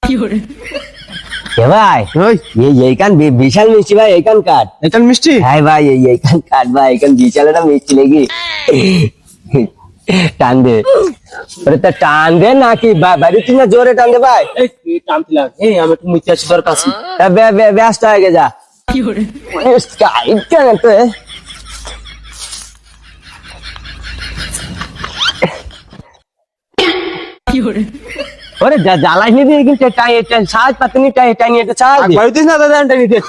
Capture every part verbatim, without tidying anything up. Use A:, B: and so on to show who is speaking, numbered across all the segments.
A: ভাই এইখান বিশাল মিষ্টি ভাই, এইখান কাট।
B: এইখান মিষ্টি?
A: হ্যাঁ ভাই, এইখান কাট ভাই, এইখান বিশাল একটা মিষ্টি লেগে টান দে। টান দে নাকি বাড়ি না জোরে টান দে ভাই।
B: টানতে লাগ, এই আমি একটু মিষ্টি আছি তোর কাছে।
A: ব্যস্ত হয়ে গে যা। কেন তো ওরে জ্বালাই নিবি কিন্তু সাহায্য পাতে নি টাইনি একটু সাহায্য
B: বাড়িতে না দাদা টাইনি একটু।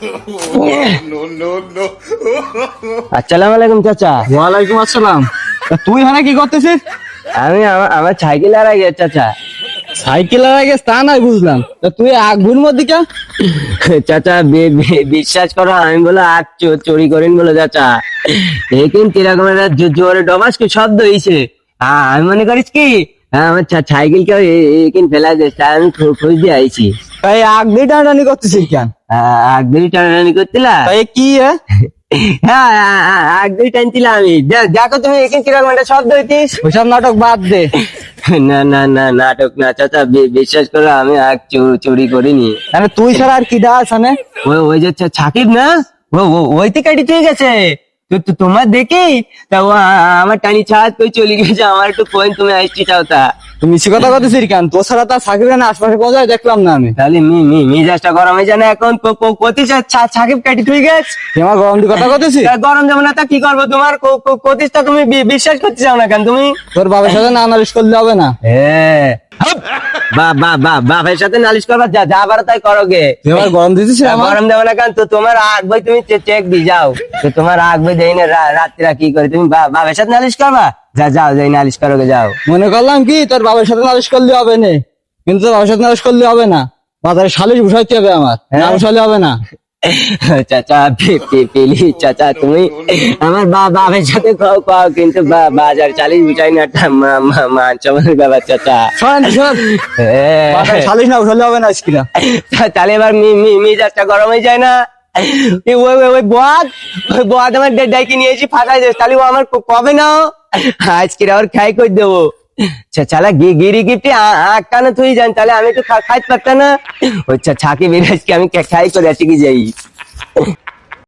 A: আসসালামু আলাইকুম চাচা।
B: ওয়ালাইকুম আসসালাম। তুই এখানে কি করতেছিস?
A: আমি আমার সাইকেল হারাই গেছে চাচা।
B: সাইকেল হারাই গেছে তা নাই বুঝলাম, তা তুই আগুন মধ্যে কে?
A: চাচা বিশ্বাস করো, আমি বলো আগ চুরি করেন বলো চাচা। এখান কিরকম একটা জোরে ডবাস কি শব্দ হয়েছে, আমি মনে করিস কি আমার সাইকেল কেউ এখানে ফেলা যাচ্ছে, আমি খোঁজ দিয়ে আইছি।
B: তাই আগ দিয়ে টানাটানি করতেছিস কেন?
A: আগ দিয়ে টানাটানি করছিলা?
B: তাই কি
A: হ্যাঁ আগ দিয়ে টানছিলাম আমি। দেখো তুমি এখানে কিরকম একটা শব্দ হইতিস।
B: ওইসব নাটক বাদ দে।
A: না না না নাটক না চাচা, বিশ্বাস করো আমি আগ চুরি করিনি।
B: তাহলে তুই ছাড়া আর কি দাস?
A: ওই ওই যে সাকিব না, ওই থেকে ঠিক আছে তোমার দেখি তা ও আমার টানি ছাড় তুই চলে গেছে, আমার একটু পয়েন্ট তুমি আসছি চাও তা।
B: তুমি মিছি কথা বলতেছিস কেন? তোর ছাড়া তার সাকিব না আশপাশে কোথায় দেখলাম না আমি।
A: তাহলে মি মি মিজাজটা গরম হয়ে যায় না এখন? কতি সাকিব কাটি তুই গেছ,
B: তোমার গরম দিয়ে কথা বলতেছিস?
A: গরম যাবো না তা কি করবো? তোমার কতিসটা তুমি বিশ্বাস করতে চাও না কেন তুমি?
B: তোর বাবার সাথে না নালিশ করলে হবে না।
A: হ্যাঁ বাবার সাথে নালিশ করবা, যা যা পারো তাই করো গে।
B: তোমার গরম দিতেছিস?
A: গরম দেবো না কেন? তো তোমার আগ বই তুমি চেক দি যাও, তো তোমার আগ বই দেই না রাত্রিরা কি করে তুমি বাবার সাথে নালিশ করবা? যা যাও যাই নালিশ করো গে যাও।
B: মনে করলাম কি তোর বাবার সাথে নালিশ করলে হবে না, কিন্তু তোর বাবার সাথে নালিশ করলে হবে না, বাজারে সালিশ বসাইতে হবে আমার, না বসালে হবে না।
A: চাচা পেলি চাচা, তুমি আমার বাবার সাথে খাও খাও, কিন্তু বাজার চালিশ বুঝাই না মান সম্মানের ব্যাপার চাচা।
B: সালিশ না বসালে হবে না।
A: তাহলে এবার মিজাজটা গরম হয়ে যায় না? ওই বদ ওই বদ আমার ডাইকে নিয়েছি ফাটাই দেবে, তাহলে ও আমার কবে না আজকে আবার খাই করে দেবো। চালা গিরি গিফটি আটকানো তুই জান, তাহলে আমি একটু খাইতে পারতাম না। ওই ছাকি বেরাজকে আমি খাই করে আজকে যাই।